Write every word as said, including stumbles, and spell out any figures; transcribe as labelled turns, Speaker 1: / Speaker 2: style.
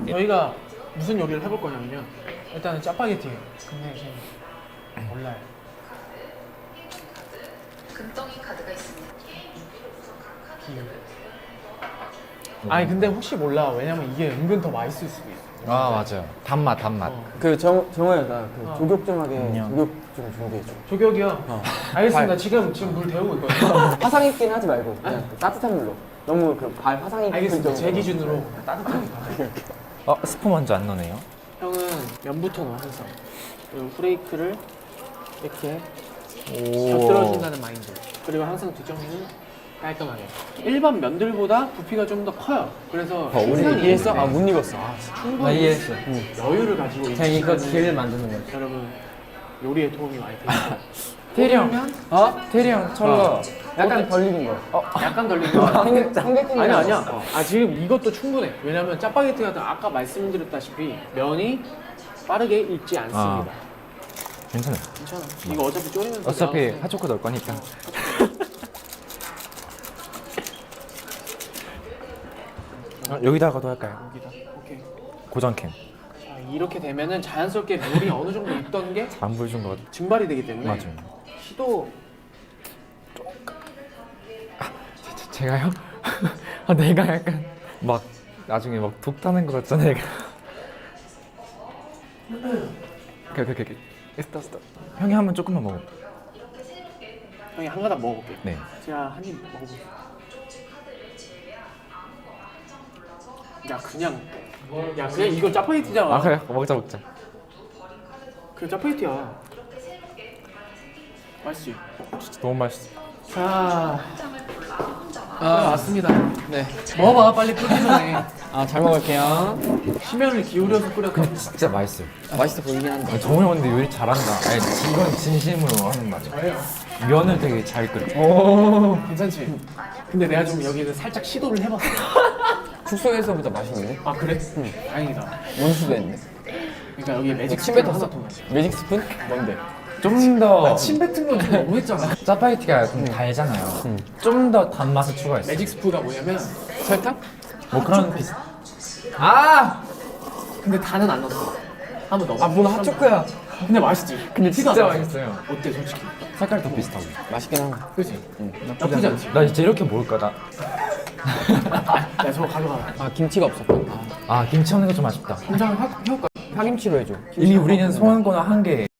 Speaker 1: 저희가 무슨 요리를 해볼 거냐면요. 일단은 짜파게티예요. 근데 지금 몰라요.
Speaker 2: 금덩이 카드가 있습니다.
Speaker 1: 기우. 아니 근데 혹시 몰라. 왜냐면 이게 은근 더 맛있을 수도 있어.
Speaker 3: 아 맞아요. 단맛 단맛.
Speaker 1: 어.
Speaker 4: 그 정, 정호야가 그
Speaker 1: 어.
Speaker 4: 조격 좀 하게
Speaker 3: 안녕.
Speaker 4: 조격 좀 준비해줘.
Speaker 1: 조격이요?
Speaker 4: 어.
Speaker 1: 알겠습니다.
Speaker 4: 발.
Speaker 1: 지금 지금 물 데우고 있거든요.
Speaker 4: 화상 입기는 하지 말고 그냥 그 따뜻한 물로. 너무 그 발 화상 입기
Speaker 1: 알겠습니다. 제
Speaker 4: 정도로.
Speaker 1: 기준으로 따뜻하게 가요.
Speaker 3: 어 스프 먼저 안 넣네요.
Speaker 1: 형은 면부터 넣어 항상. 그리고 후레이크를 이렇게 곁들여준다는 마인드. 그리고 항상 뒷정리는 깔끔하게. 일반 면들보다 부피가 좀 더 커요. 그래서
Speaker 4: 어, 우리
Speaker 1: 충분히
Speaker 4: 이해했어? 아 못 익었어. 아,
Speaker 1: 충분히
Speaker 4: 이해했어.
Speaker 1: 여유를 가지고
Speaker 4: 그냥 이거
Speaker 1: 있으면은
Speaker 4: 길 만드는 거지.
Speaker 1: 여러분 요리에 도움이 많이 됩니다.
Speaker 3: 태리 형.
Speaker 1: 면
Speaker 4: 어?
Speaker 3: 태리 형 철러.
Speaker 4: 약간 덜 익은 거. 어?
Speaker 1: 약간 덜린 거.
Speaker 4: 삼계 삼계탕
Speaker 1: 아니 아니야. 아 지금 이것도 충분해. 왜냐면 짜파게티 같은 아까 말씀드렸다시피 면이 빠르게 익지 않습니다.
Speaker 3: 괜찮아요.
Speaker 1: 괜찮아. 이거 어차피 졸이면서
Speaker 3: 어차피
Speaker 1: 나오는데.
Speaker 3: 핫초코 넣을 거니까. 어, 여기다가도 할까요?
Speaker 1: 여기다. 오케이.
Speaker 3: 고정캔.
Speaker 1: 자, 이렇게 되면은 자연스럽게 물이 어느 정도 있던 게
Speaker 3: 안 보여준 것 같아.
Speaker 1: 증발이 되기 때문에
Speaker 3: 맞아요.
Speaker 1: 시도
Speaker 3: 제- 제가요? 아, 내가 약간 막 나중에 막 독 타는 것 같잖아 내가. 오케이 오케이 오케이. 스톱 스톱. 형이 한번 조금만 먹어.
Speaker 1: 형이 한 가닥 먹어볼게.
Speaker 3: 네.
Speaker 1: 제가 한 입 먹어볼게요. 야 그냥 야 그냥 이거 짜파게티잖아.
Speaker 3: 아 그래 먹자 먹자.
Speaker 1: 그 짜파게티야. 맛있지?
Speaker 3: 진짜 너무 맛있어.
Speaker 1: 자, 아 왔습니다. 네. 먹어봐 빨리 끓기 전에.
Speaker 4: 아 잘 먹을게요.
Speaker 1: 심혈을 기울여서 끓였다.
Speaker 3: 진짜 맛있어요.
Speaker 4: 맛있어 보이긴 한다.
Speaker 3: 정우 형 근데 요리 잘한다. 아니 이건 진심으로 하는 말이야.
Speaker 1: 저예요.
Speaker 3: 면을 되게 잘 끓여.
Speaker 1: 오 괜찮지? 근데 내가 좀 여기는 살짝 시도를 해봤어.
Speaker 4: 숙소에서보다 맛있는데?
Speaker 1: 아 그래? 응. 다행이다.
Speaker 4: 원수도 했네.
Speaker 1: 그러니까 여기 매직
Speaker 4: 침뱉
Speaker 1: 스푼
Speaker 4: 었어
Speaker 1: 하나 더 넣어.
Speaker 4: 매직 스푼? 뭔데?
Speaker 3: 좀 더
Speaker 1: 침 뱉은 건 좀 너무했잖아.
Speaker 3: 짜파게티가 좀 달잖아요. 좀 더 단맛을 추가했어.
Speaker 1: 매직 스프가 뭐냐면
Speaker 4: 설탕?
Speaker 3: 뭐 그런 비슷. 아!
Speaker 1: 근데 단은 안 넣었어. 한번 넣어.
Speaker 4: 아뭔 핫초코야.
Speaker 1: 근데 맛있지?
Speaker 3: 근데
Speaker 1: 티가
Speaker 3: 진짜
Speaker 1: 안 나.
Speaker 3: 맛있어요.
Speaker 1: 어때 솔직히?
Speaker 3: 색깔 더 비슷하고.
Speaker 4: 맛있긴 한가.
Speaker 1: 그치? 나쁘지 않지?
Speaker 3: 나 진짜 이렇게 먹을까 나.
Speaker 1: 야 저거 가져가.
Speaker 4: 아 김치가 없었군. 아,
Speaker 3: 아 김치 없는 거 좀 아쉽다.
Speaker 1: 한장 해올까?
Speaker 4: 파김치로 해줘.
Speaker 3: 이미 우리는 소원권을 한 개.